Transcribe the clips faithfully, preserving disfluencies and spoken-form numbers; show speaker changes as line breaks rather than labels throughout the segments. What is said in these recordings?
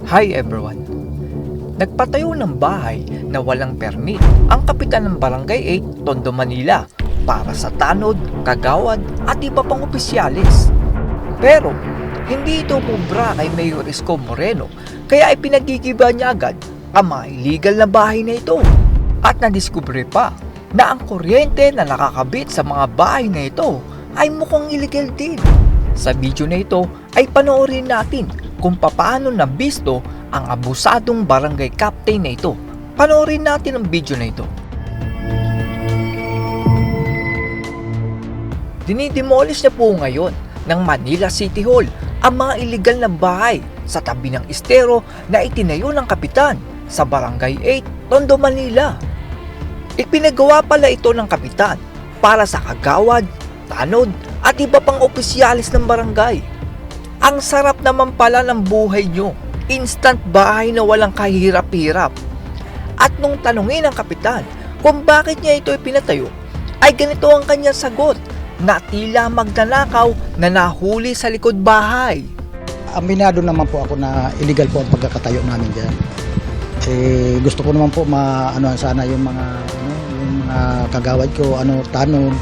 Hi everyone! Nagpatayo ng bahay na walang permit ang kapitan ng Barangay eight, Tondo, Manila para sa tanod, kagawad at iba pang opisyalis. Pero hindi ito pubra kay Mayor Isko Moreno kaya ipinagigiba niya agad ang mga illegal na bahay na ito. At nadiskubre pa na ang kuryente na nakakabit sa mga bahay na ito ay mukhang illegal din. Sa video na ito ay panoorin natin kung paano nabisto ang abusadong barangay captain na ito. Panoorin natin ang video na ito. Dinidemolish na po ngayon ng Manila City Hall ang mga illegal na bahay sa tabi ng estero na itinayo ng kapitan sa Barangay eight, Tondo, Manila. Ipinagawa pala ito ng kapitan para sa kagawad, tanod at iba pang opisyalis ng barangay. Ang sarap naman pala ng buhay nyo, instant bahay na walang kahirap-hirap. At nung tanungin ng kapitan kung bakit niya ito ipinatayo, ay ganito ang kanyang sagot na tila magnanakaw na nahuli sa likod bahay.
Aminado naman po ako na illegal po ang pagkakatayo namin dyan. Eh, gusto ko naman po ma ano sana yung mga ano, yung mga kagawad ko ano tanong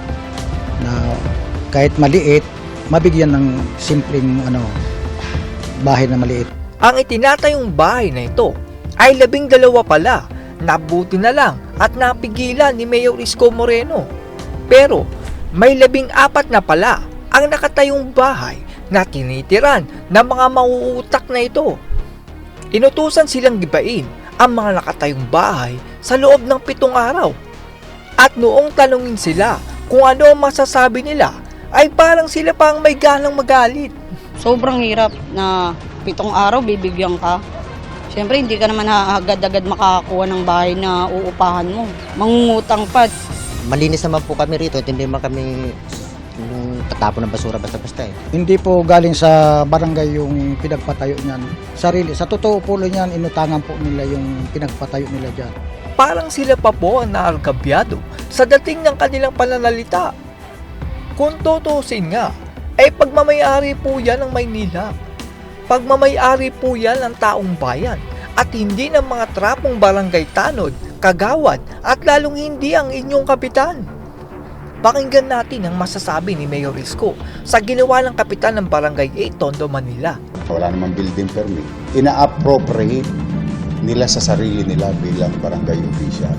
na kahit maliit mabigyan ng simpleng ano bahay na maliit.
Ang itinatayong bahay na ito ay labing dalawa pala. Nabuti na lang at napigilan ni Mayor Isko Moreno. Pero may labing apat na pala ang nakatayong bahay na tinitiran ng mga mauutak na ito. Inutusan silang gibain ang mga nakatayong bahay sa loob ng pitong araw. At noong tanungin sila kung ano ang masasabi nila, ay parang sila pa ang may ganang magalit.
Sobrang hirap na pitong araw bibigyan ka. Siyempre hindi ka naman agad-agad makakakuha ng bahay na uupahan mo. Mangungutang pa.
Malinis naman po kami rito, hindi naman kami yung tatapon ng basura basta-basta eh.
Hindi po galing sa barangay yung pinagpatayo niyan. Sarili, sa totoo po niyan, inutangan po nila yung pinagpatayo nila dyan.
Parang sila pa po ang naargabyado sa dating ng kanilang pananalita. Kung tutusin nga, ay pagmamayari po yan ng Maynila. Pagmamayari po yan ng taong bayan at hindi ng mga trapong barangay tanod, kagawad at lalong hindi ang inyong kapitan. Pakinggan natin ang masasabi ni Mayor Isko sa ginawa ng kapitan ng Barangay eight, Tondo, Manila.
Wala namang building permit. Ina-appropriate nila sa sarili nila bilang barangay official.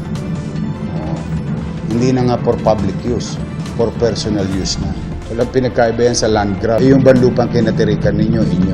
Uh, hindi na nga for public use, for personal use na. Walang pinagkaiba yan sa land grab. Yung banlupang kinatirikan ninyo, inyo.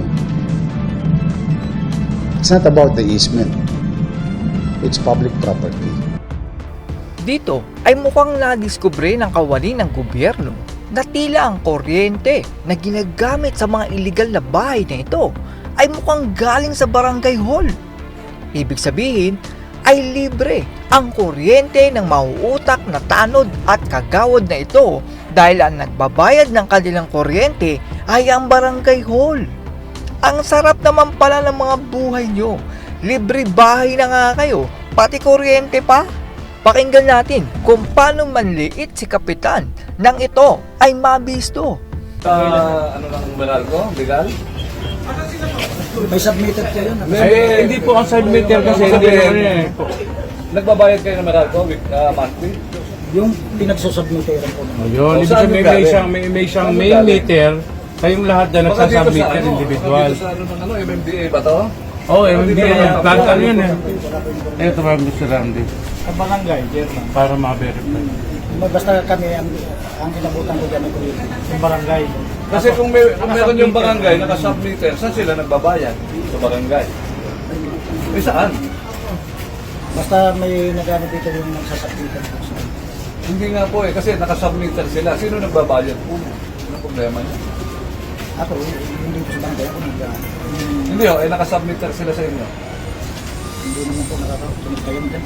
It's not about the easement. It's public property.
Dito ay mukhang nadiskubre ng kawani ng gobyerno na tila ang kuryente na ginagamit sa mga illegal na bahay na ito ay mukhang galing sa barangay hall. Ibig sabihin ay libre ang kuryente ng mauutak na tanod at kagawad na ito dahil ang nagbabayad ng kanilang kuryente ay ang barangay hall. Ang sarap naman pala ng mga buhay nyo. Libre bahay na nga kayo, pati kuryente pa. Pakinggan natin kung paano manliit si kapitan nang ito ay mabisto.
Uh, ano lang meral ko? Legal?
May submitted kayo na.
Eh, hindi po ang submitter kasi hindi eh. Nagbabayad kayo ng meral ko with uh, monthly?
Yung pinagsusubmitteran po naman.
Yun, ibig sabihin may, may isang, may, may isang main meter, kayong lahat na nagsasubmitter individual. Dito sa ano ng ano, M M D A ba to? Oo, oh, M M D A yan. Plant ano yun eh. Ito ba Mister Randy?
Sa barangay, German.
Para ma-verify.
Basta kami ang, ang inabutan ko dyan ng kuryente. Yung barangay.
Kasi kung, may, kung meron yung barangay nakasubmitter, saan sila nagbabayad? Sa barangay. Eh saan?
Basta may nagano dito yung nagsasubmitter.
Hindi nga po eh, kasi nakasubmitter sila. Sino nagbabayad po? Ano problema niya?
Ako, hindi ko sa barangay ako nag
Hindi oh, eh nakasubmitter sila sa inyo.
hindi naman po nakakasunod kayo dyan.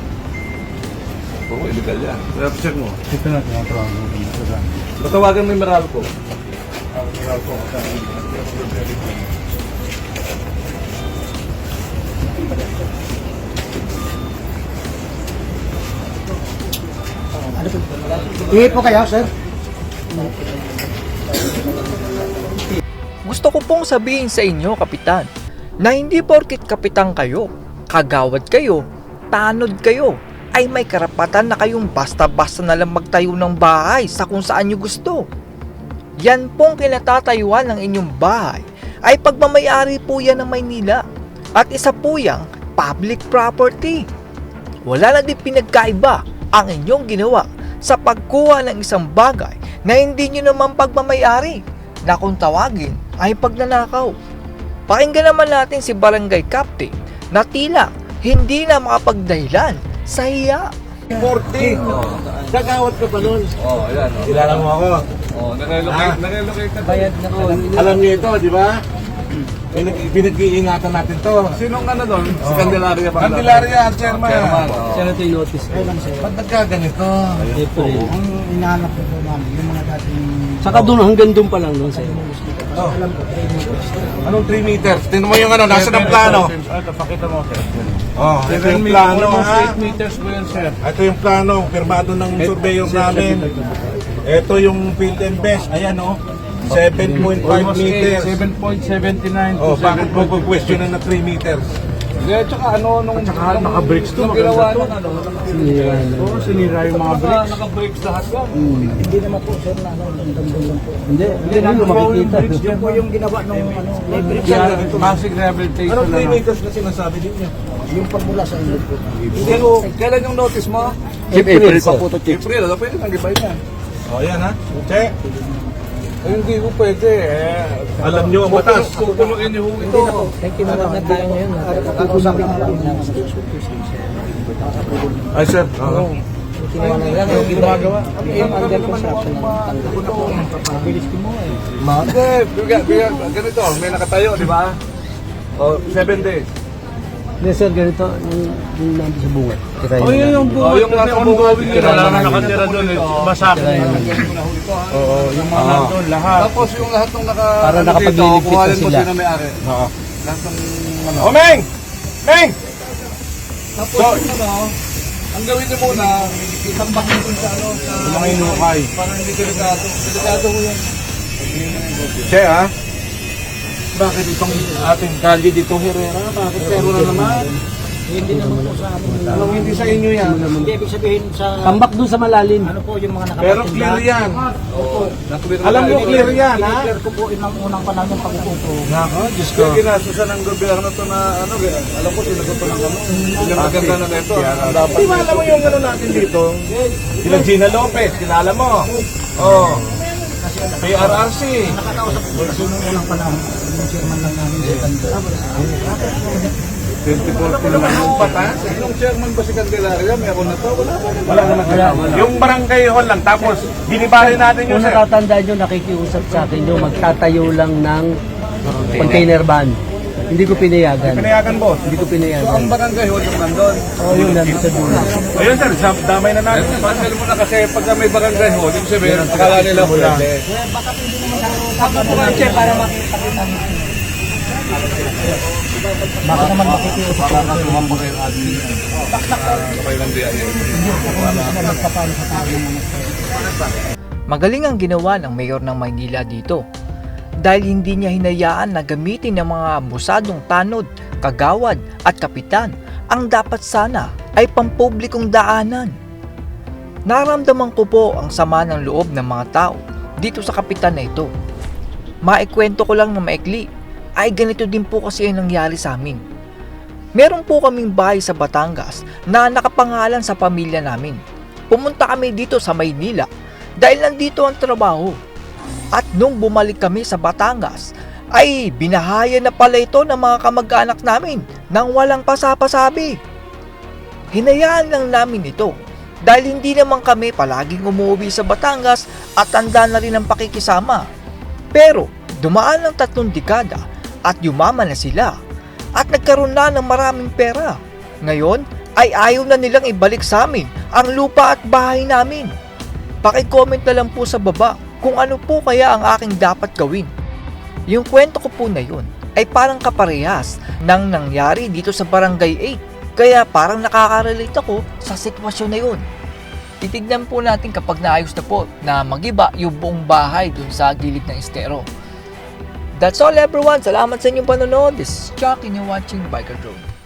Oo, illegal yan. Kaya check mo.
Ito na, tinatawag mo.
Matawagan mo yung Meralco.
Meralco. Ano po? Ihi po kayo, sir?
Gusto ko pong sabihin sa inyo, Kapitan, Na hindi porkit kapitan kayo, kagawad kayo, tanod kayo, ay may karapatan na kayong basta-basta na lang magtayo ng bahay sa kung saan nyo gusto. Yan pong kinatatayuan ng inyong bahay ay pagmamayari po yan ng Maynila at isa po yang public property. Wala na din pinagkaiba ang inyong ginawa sa pagkuha ng isang bagay na hindi nyo naman pagmamayari na kung tawagin ay pagnanakaw. Pakinggan naman natin si Barangay Captain na tila hindi na makapagdahilan sa hiya.
fourteen. Gagawad ka pa nun.
Oh, ayan. Oh.
Kilala mo ako.
Oh, nare-locate,
Ah.
nare-locate ka.
Bayad na po.
Alam niyo ito, di ba? Pinag- Pinag-iingatan natin to.
Sinong ano doon? Si Candelaria pa.
Candelaria, ang chairman.
Chairman. Oh.
Ba't nagkaganito?
Ang inahanap ko po namin, yung mga dating
Saka doon, hanggang doon pa lang doon sa'yo.
Oh. Anong three meters? Tingnan mo yung ano, nasa ng plano.
Ito, pakita mo, sir.
Oh, ito
Seven
yung
meters,
plano
almost
ha.
eight meters po yan, sir.
Ito yung plano, firmado ng surveyor namin. Ito yung field and best. Ayan oh. seven point five
Almost eight,
meters.
seven point seven nine to
Oh, bakit mo
seven point
question na na three meters?
Yeah, tsaka ano, nung... Tsaka naka-brakes to, ginawa ng ano.
Sinira na.
Oo, sinira yung mga brakes. Naka-brakes lahat yan.
hindi naman po sir na ano, nandun lang po.
Hindi, hindi na makikita.
Yun po yung ginawa ng ano,
Yeah, Massive rehabilitation
Anong three
na.
meters na sinasabi ninyo?
yung pagmula sa inyo po.
Pero, kailan yung notice mo?
April pa po to.
April, ano pwede nang gibay na.
Oh, ayan ha. Check.
Eh, hindi ko pwede eh.
Alam nyo ang batas.
Kukuloyin niyo ito.
Tinawag na tayo ngayon. Kakausapin na lang ng station.
Ay, sir. Oo.
Tinawag na lang yung gumagawa. Yung under construction na pabilis ko mo eh.
Hindi, biga- biga- ganito, may nakatayo, di ba? O, seven days.
Hindi sir, ganito, yung, yung nandun sa bunga. Tira
Oh, yun yung buhay. Oh, yung nasa ongoing yun. Wala na nakatira doon eh. Masak.
Oo, yung mga nandun, lahat.
Tapos yung lahat ng naka...
Para
ano dito,
nakapagliligpit na
kuhanin mo
sila.
sino may-ari.
Oo.
Lahat ng... Ano.
Oh, Meng! Meng!
Tapos yung ano, ang gawin niyo muna, itambak niyo dun sa ano, sa...
Yung mga inukay.
Para hindi delikado. Delikado ko yan.
Che, ha? Bakit itong ating kalye dito, Herrera? Bakit pero na naman?
Hindi naman po sa amin.
Anong hindi sa inyo yan?
Hindi ibig sabihin sa
Tambak doon sa malalim.
ano po yung mga
Pero
nakapatinda.
clear yan.
Nakabit
Alam mo, clear yan, ha?
Clear ko po inang unang panahon ng pag-upo ko.
Nako, Diyos ko.
Kaya ginasusan ng gobyerno to na ano, alam ko sinagot to ng ano. Ilang maganda na nito. Ang dapat.
Di ba alam mo yung ano natin dito? Sila Gina Lopez, kilala mo. Oh. K R R C.
Nakakausap ko kasi nung unang panahon, yung chairman lang namin sa Tanda.
twenty-four naman yung patas. Nung chairman ba si Candelaria, meron na to? Wala ba?
Wala naman. Yung barangay hall lang, tapos binibali natin yung
Kung
sir.
natatandaan nyo, nakikiusap sa akin nyo, magtatayo lang ng container van. Hindi ko pinayagan.
Pinayagan, boss.
Hindi ko
So,
pinayagan.
ang barangay hall yung nandun.
Oo, yun, nandun sa dulo.
Ayun sir, sa- damay na natin.
Pansel mo na kasi pag may barangay hall, yung sabihin, akala nila pwede.
Tapos po kayo, Che, para makita kita. Baka naman makikiusap ko.
Magaling ang ginawa ng mayor ng Maynila dito dahil hindi niya hinayaan na gamitin ng mga musadong tanod, kagawad at kapitan ang dapat sana ay pampublikong daanan. Naramdaman ko po ang sama ng loob ng mga tao dito sa kapitan na ito. Maikwento ko lang na maikli ay ganito din po kasi ang nangyari sa amin. Meron po kaming bahay sa Batangas na nakapangalan sa pamilya namin. Pumunta kami dito sa Maynila dahil nandito ang trabaho. At nung bumalik kami sa Batangas, ay binahaya na pala ito ng mga kamag-anak namin nang walang pasapasabi. Hinayaan lang namin ito dahil hindi naman kami palaging umuwi sa Batangas at tanda na rin ang pakikisama. Pero dumaan ang tatlong dekada at yumaman na sila at nagkaroon na ng maraming pera. Ngayon ay ayaw na nilang ibalik sa amin ang lupa at bahay namin. Paki-comment na lang po sa baba kung ano po kaya ang aking dapat gawin. Yung kwento ko po na yun ay parang kaparehas ng nangyari dito sa Barangay eight. Kaya parang nakaka-relate ako sa sitwasyon na yun. Titignan po natin kapag naayos na po na magiba yung buong bahay dun sa gilid ng estero. That's all everyone. Salamat sa inyong panonood. This is Chuck and you're watching Biker Drone.